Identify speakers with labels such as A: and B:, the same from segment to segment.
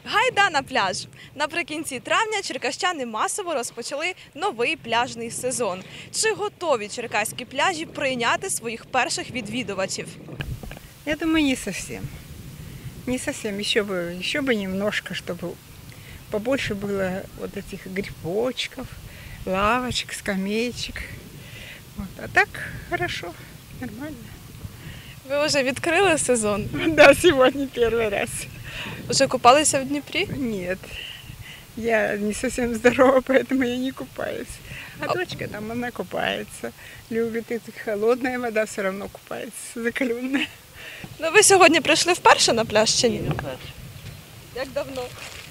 A: Гайда на пляж! Наприкінці травня черкащани масово розпочали новий пляжний сезон. Чи готові черкаські пляжі прийняти своїх перших відвідувачів?
B: Я думаю, не совсем. Не совсем. Еще бы немножко, чтобы побольше было вот этих грибочков, лавочек, скамеечек. Вот. А так хорошо, нормально.
A: Ви вже відкрили сезон?
B: Да, сегодня первый раз.
A: Вже купалися в Дніпрі?
B: Нет, я не совсем здорова, поэтому я не купаюсь. А дочка там, она купается. Любит, и холодная вода все равно купается, закаленная.
A: Ну ви сьогодні прийшли вперше на пляж чи ні?
C: Не перше.
A: Як давно?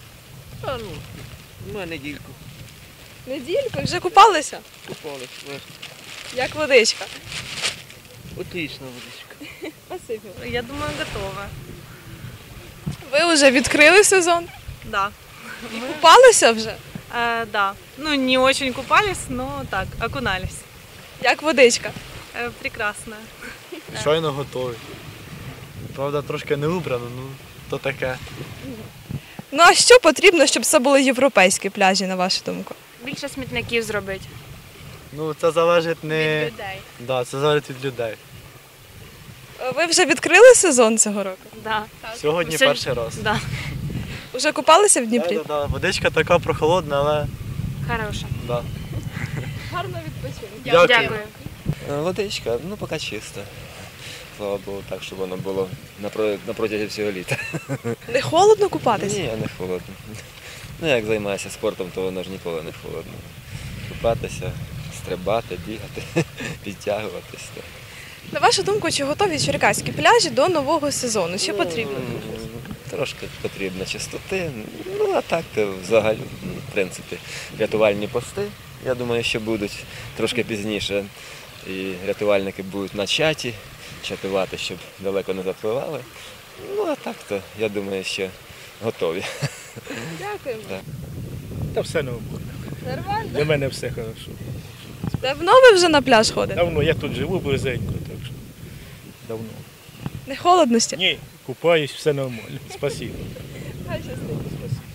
C: Недільку.
A: Недільку? Вже купалися?
C: Купались.
A: Як водичка?
C: Отлично водичка.
A: Спасибо.
D: Я думаю, готова.
A: Ви вже відкрили сезон?
D: Да.
A: І купалися вже?
D: Да. Ну, не очень купались, но так, окунались.
A: Як водичка?
D: Прекрасно.
E: Щойно готовий. Правда, трошки не убрано, ну то таке.
A: Ну а що потрібно, щоб це були європейські пляжі, на вашу думку?
F: Більше смітників зробити.
E: Ну це залежить не
F: Від людей.
E: Да, це залежить від людей.
A: Ви вже відкрили сезон цього року?
F: Да.
E: Сьогодні
F: Сьогодні-
E: перший раз.
F: Да.
A: Вже купалися в Дніпрі?
E: Да. Водичка така прохолодна, але
F: Хороша.
E: да.
A: Гарно відпочинку.
E: Дякую.
G: Водичка, ну поки чисто. Слава Богу, так, щоб воно було на протязі всього літа.
A: Не холодно купатися?
G: Ні, не холодно. Ну, як займаюся спортом, то воно ж ніколи не холодно. Купатися, стрибати, бігати, підтягуватися.
A: На вашу думку, чи готові черкаські пляжі до нового сезону? Що потрібно?
G: Трошки потрібно чистоти, ну а так, то взагалі, в принципі, рятувальні пости, я думаю, що будуть трошки пізніше. І рятувальники будуть на чаті, чатувати, щоб далеко не запливали. Ну а так, то я думаю, що готові.
A: Дякуємо.
H: Та все нормально.
A: Нормально?
H: Для мене все хорошо.
A: Давно ви вже на пляж ходите?
H: Давно, я тут живу близенько, так що давно.
A: Не холодно ще?
H: Ні, купаюсь, все нормально. Спасибо.
A: Хай щастить.
H: Спасибо.